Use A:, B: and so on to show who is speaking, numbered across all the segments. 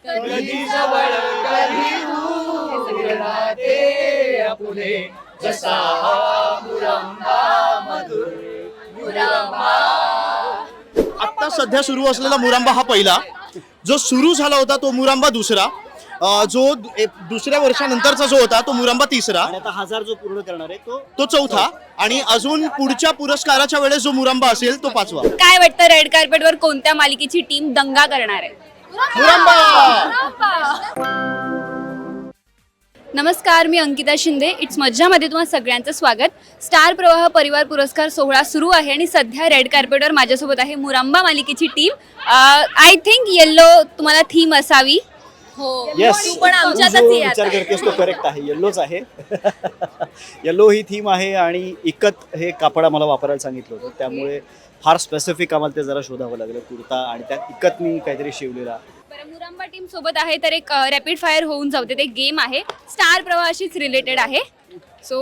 A: कधी जवळ कधी दूर राहते आपुले जसा मुरंबा मधुर मुरंबा.
B: आता सध्या सुरू असलेला मुरांबा हा पहिला, जो सुरू झाला होता तो मुरांबा दुसरा, जो दुसऱ्या वर्षानंतरचा जो होता तो मुरांबा तिसरा,
C: आणि आता 1000 जो पूर्ण करणार आहे
B: तो चौथा, आणि अजून पुढच्या पुरस्काराच्या वेळेस जो मुरांबा असेल तो पाचवा.
D: काय वाटतं रेड कार्पेटवर कोणत्या मालिकेची टीम दंगा करणार आहे? नमस्कार, मी अंकिता शिंदे. इट्स मज्जामध्ये तुम्हा सगळ्यांचं स्वागत. स्टार प्रवाह परिवार पुरस्कार सोहळा सुरू आहे आणि सध्या रेड कार्पेटवर माझ्यासोबत आहे मुरांबा मालिकेची टीम. आय थिंक येल्लो तुम्हाला थीम असावी. हो,
C: येस,
D: तू पण आमच्यातच
C: जो
D: ये आता.
C: विचार करतेस तो करेक्ट आहे. येल्लोच आहे. येल्लो ही थीम आहे आणि इकत हे कापड आम्हाला वापरायला सांगितलं होतं, त्यामुळे फार स्पेसिफिक आम्हाला ते जरा शोधावं लागलं कुर्ता, आणि त्यात इकतनी काहीतरी शिवलेला.
D: बरं, मुरांबा टीम सोबत आहे तर एक रॅपिड फायर होऊन जाऊ दे. ते गेम आहे, स्टार प्रवाहाशीच रिलेटेड आहे. सो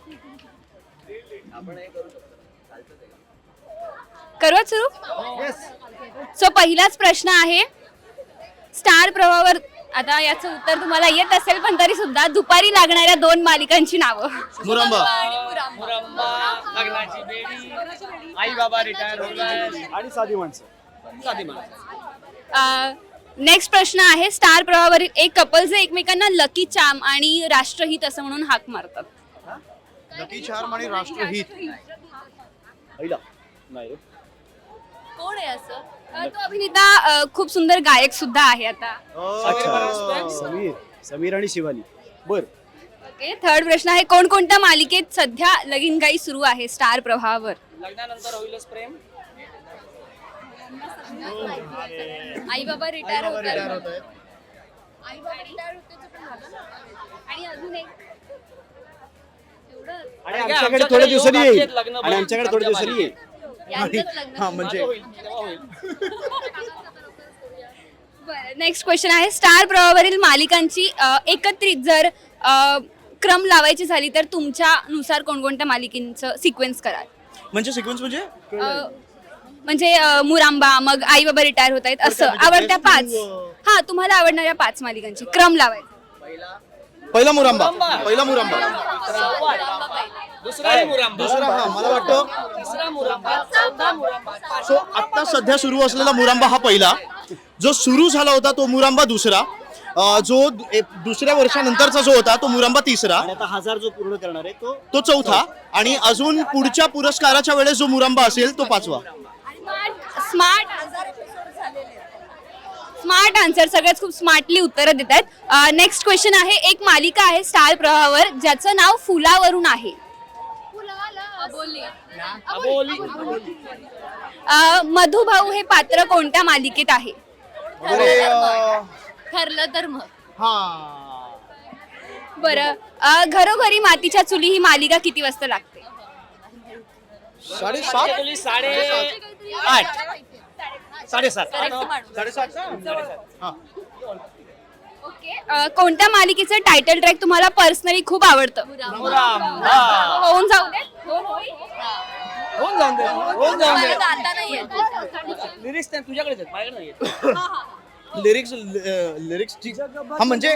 D: करूयात सुरू. सो पहिलाच प्रश्न आहे स्टार प्रवाहावर. आता याचं उत्तर तुम्हाला येत असेल, पण तरी सुद्धा दुपारी लागणाऱ्या 2 मालिकांची नावं.
B: मुरांबा,
A: मुरंबा, लग्नाची बेडी, आई बाबा रिटायर हो गए
C: आणि साधी माणसं.
A: साधी माणसं.
D: नेक्स्ट प्रश्न आहे स्टार प्रवाहावरील एक कपल जे एकमेकांना लकी चार्म आणि राष्ट्रहित असं म्हणून हाक मारतात.
B: लकी चार्म आणि राष्ट्रहित.
C: पहिला नाही रे.
D: कोण आहे असं? तो अभिनेता खूप सुंदर गायक सुद्धा आहे आता.
C: अच्छा, समीर आणि शिवानी. बर,
D: ओके, थर्ड प्रश्न आहे कोणकोणत्या मालिकेत सध्या लगीनगाई सुरू आहे स्टार प्रवाहावर?
A: लग्नानंतर होईलच प्रेम.
D: आई बाबा रिटायर होत आहेत. आई बाबा रिटायर आणि अजून एक एवढंच.
C: आणि आमच्याकडे थोड्या दिवसांनी येईल. आणि आमच्याकडे थोड्या दिवसांनी येईल.
D: यांचंच लग्न.
B: हा म्हणजे
D: नेक्स्ट क्वेश्चन आहे स्टार प्रवाहावरील मालिकांची एकत्रित जर क्रम लावायची झाली तर तुमच्यानुसार कोणकोणत्या मालिकेचं सिक्वेन्स कराल?
B: म्हणजे सिक्वेन्स म्हणजे
D: म्हणजे मुरांबा, मग आई बाबा रिटायर होत आहेत असं आवडत्या 5. हा, तुम्हाला आवडणाऱ्या 5 मालिकांची क्रम लावायचा.
B: पहिला मुरांबा, पहिला मुरांबा,
A: दुसरा मुरंबा,
B: दुसरा, हा मला वाटतं.
A: तिसरा मुरंबा, चौथा मुरंबा.
B: सो आता सध्या सुरू असलेला मुरांबा हा पहिला, जो सुरू झाला होता तो मुरांबा दुसरा, जो दुसऱ्या वर्षानंतरचा जो होता तो मुरांबा तिसरा,
C: आणि आता 1000 जो पूर्ण करणार आहे
B: तो चौथा, आणि अजून पुढच्या पुरस्काराच्या वेळेस जो मुरांबा असेल तो पाचवा.
D: स्मार्ट आन्सर, सगळ्यात खूप स्मार्टली उत्तरं देत आहेत. नेक्स्ट क्वेश्चन आहे एक मालिका आहे स्टार प्रवाहावर ज्याचं नाव फुलावरून आहे. मधुभाऊ हे पात्र कोणत्या मालिकेत आहे? ठरलं तर मग. बरं, घरोघरी मातीच्या चुली ही मालिका किती वाजता लागते?
B: 7:30.
A: 8:30.
D: ओके, कोणत्या मालिकेचं टायटल ट्रॅक तुम्हाला पर्सनली खूप आवडतं? होऊन जाऊ दे.
A: होऊन जाऊन दे, होऊन जाऊन दे.
D: आता नाही येत.
A: लिरिक्स तुझ्याकडेच आहेत, माझ्याकडे नाही आहेत.
B: लिरिक्स हा म्हणजे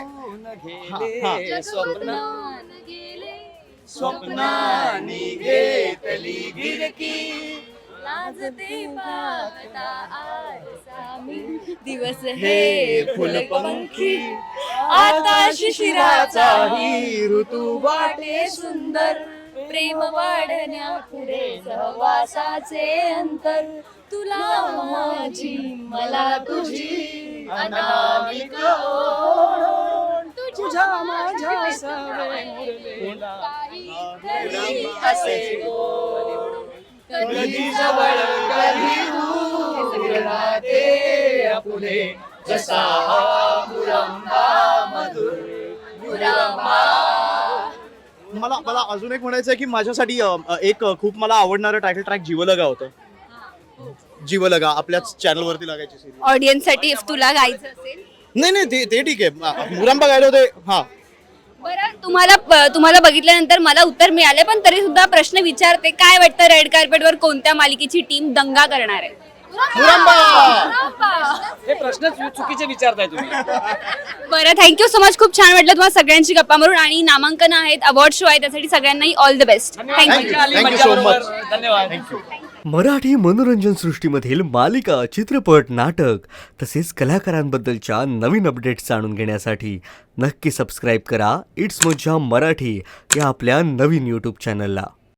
A: स्वप्नानी घेतली गिरकी,
D: लाजते पाहता आरसामी, दिवस हे फुलपंखी, आता शिशिराचाही ऋतू वाटे सुंदर, प्रेम वाढण्यापुढे सहवासाचे अंतर, तुला माझी मला तुझी अनामिक ओढ,
A: तुझ्या माझ्या सवय मुरलेला
D: काहीतरी असे गोड.
A: कधी जवळ कधी दूर राहते आपुले जसा मुरंबा मधुर मुरंबा.
B: मला अजून एक म्हणायचं आहे की माझ्यासाठी एक खूप मला आवडणारं टायटल ट्रॅक जीवलगा होतं. जीवलगा आपल्याच चॅनल वरती लागायची सिरीज.
D: ऑडियन्स साठी इफ तुला गायचं असेल.
B: नाही ते ठीक आहे. मुरांबा गायला होते. हा,
D: बरं, तुम्हाला बघितल्यानंतर मला उत्तर मिळाले, पण तरी सुद्धा प्रश्न विचारते काय वाटतं रेड कार्पेटवर कोणत्या मालिकेची टीम दंगा करणार आहे?
B: मुरांबा.
A: हे प्रश्न चुकीचे विचारताय तुम्ही.
D: बरं, थँक्यू सो मच. खूप छान वाटलं तुम्हाला सगळ्यांची गप्पा मारून. आणि नामांकन आहेत, अवॉर्ड शो आहे, त्यासाठी सगळ्यांनाही ऑल द बेस्ट.
A: धन्यवाद.
D: थँक्यू.
A: मजा आली,
B: Thank you
A: मजा
B: so
A: बरोबर.
B: much.
A: धन्यवाद.
E: मराठी मनोरंजन सृष्टीमधील मालिका, चित्रपट, नाटक तसेच कलाकारांबद्दलच्या नवीन अपडेट्स जाणून घेण्यासाठी नक्की सबस्क्राईब करा इट्स मज्जा मराठी या आपल्या नवीन यूट्यूब चॅनलला.